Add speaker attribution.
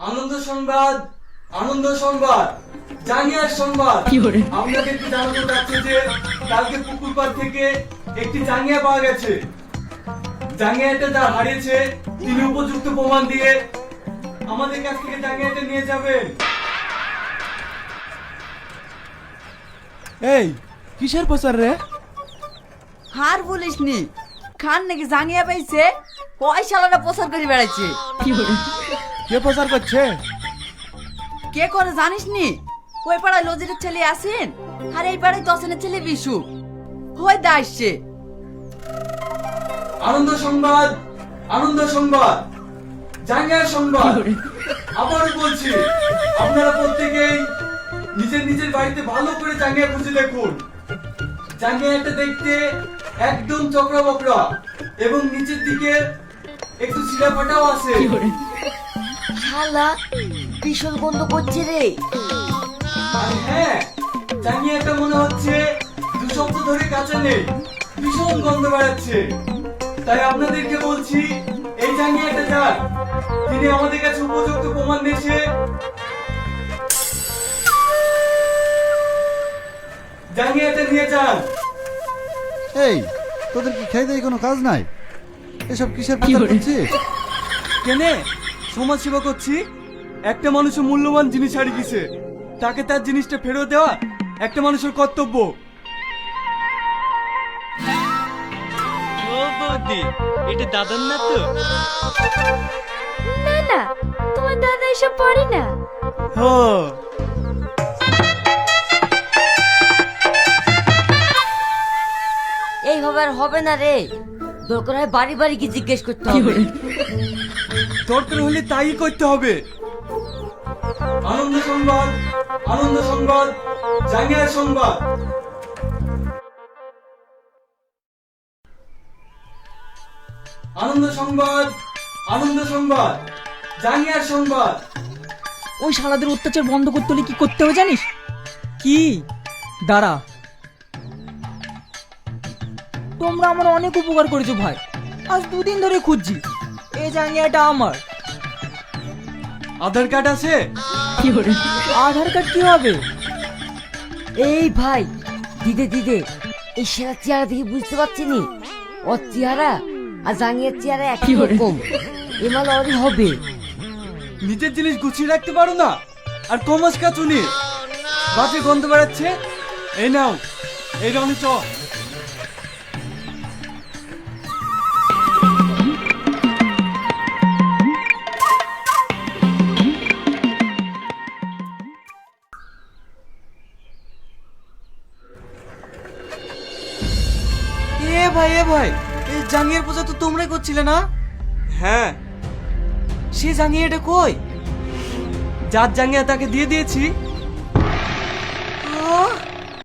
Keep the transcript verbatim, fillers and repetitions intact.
Speaker 1: আনন্দ সংবাদ, আনন্দ সংবাদ, জাঙ্গিয়ার সংবাদ। আপনাদেরকে জানানো যাচ্ছে যে কালকে পুকুর পাড় থেকে একটি জাঙ্গিয়া পাওয়া গেছে। জাঙ্গিয়াটা যা হারিয়েছে তিনি উপযুক্ত প্রমাণ দিয়ে আমাদের কাছ থেকে জাঙ্গিয়াটা নিয়ে যাবেন।
Speaker 2: এই কিসের প্রচার রে?
Speaker 3: হার বলিস নি, খান নাকি জাঙ্গিয়া পাইছে, ওই শালাটা প্রচার করে বেড়াচ্ছে।
Speaker 2: কে প্রচার করছে?
Speaker 3: কে করে জানিস নি? ওই পাড়ায় লজিরের ছেলে আসেন, আর এই পাড়ায় দশনের ছেলে বিশু, হই দা আসছে।
Speaker 1: আনন্দ সংবাদ, আনন্দ সংবাদ, জাঙ্গিয়ার সংবাদ। আবারও বলছি, আপনারা প্রত্যেকেই নিজের নিজের বাড়িতে ভালো করে জাঙ্গিয়া খুঁজে দেখুন। জাঙ্গিয়াটা দেখতে একদম চকরা বকরা এবং নিচের দিকে একটু ছিঁড়া ফাটাও আছে।
Speaker 4: শালা ভীষণ গন্ধ করছে রে।
Speaker 1: আর হ্যাঁ, জাঙ্গিয়াটা মনে হচ্ছে দু সপ্তাহ ধরে কাঁচা নেই, ভীষণ গন্ধ বেড়াচ্ছে। তাই আপনাদেরকে বলছি, এই জাঙ্গিয়াটা যার, তিনি আমাদের কাছে উপযুক্ত প্রমাণ দিয়েছে। জাঙ্গিয়াটা নিয়ে যান।
Speaker 5: এই তোদের কি খেয়ে দেয় কোনো কাজ নাই? এসব কিসের প্রচার করছিস?
Speaker 1: কেনে সমাজ সেবা করছি। একটা মানুষের মূল্যবান জিনিস হারিয়ে গেছে, তাকে তার জিনিসটা ফেরত দেওয়া একটা মানুষের কর্তব্য।
Speaker 6: ও বৌদি, এটা দাদার না তো?
Speaker 7: না না, তোমার দাদা এসব পড়ে না।
Speaker 1: হ্যাঁ,
Speaker 4: এইভাবে আর হবে না রে, দরকার হয় বাড়ি বাড়ি কি জিজ্ঞেস করতে হবে।
Speaker 1: দরকার হলে তাই করতে হবে। আনন্দ সংবাদ, আনন্দ সংবাদ, জাঙ্গিয়ার সংবাদ। আনন্দ সংবাদ, আনন্দ সংবাদ, জাঙ্গিয়ার সংবাদ।
Speaker 3: ওই শালাদের অত্যাচার বন্ধ করতে হলে কি করতে হবে জানিস? কি? দাঁড়া, তোমরা আমার অনেক উপকার করেছো ভাই, আজ দুদিন ধরে খুঁজছি। এই জাঙ্গিয়াটা আমার।
Speaker 1: আধার কার্ড আছে?
Speaker 3: আধার কার্ড কি হবে?
Speaker 4: এই ভাই, দিদে দিদে, এই সেরা চেহারা দেখে বুঝতে পারছি নি ওর চেহারা আর জাঙ্গিয়ার চেহারা একই রকম। এমাল ওরই হবে।
Speaker 1: নিজের জিনিস গুছিয়ে রাখতে পারো না, আর কমাস কাচুনি বাজে গন্ধ বেড়াচ্ছে। এই নাও, এই রঙে চ।
Speaker 2: এ ভাই এ ভাই, এই জাঙ্গিয়ার পূজা তো তোমরাই করছিলে না?
Speaker 1: হ্যাঁ,
Speaker 2: সে জাঙ্গিয়াটা কই?
Speaker 1: যার জাঙ্গিয়া তাকে দিয়ে দিয়েছি।
Speaker 2: আহ!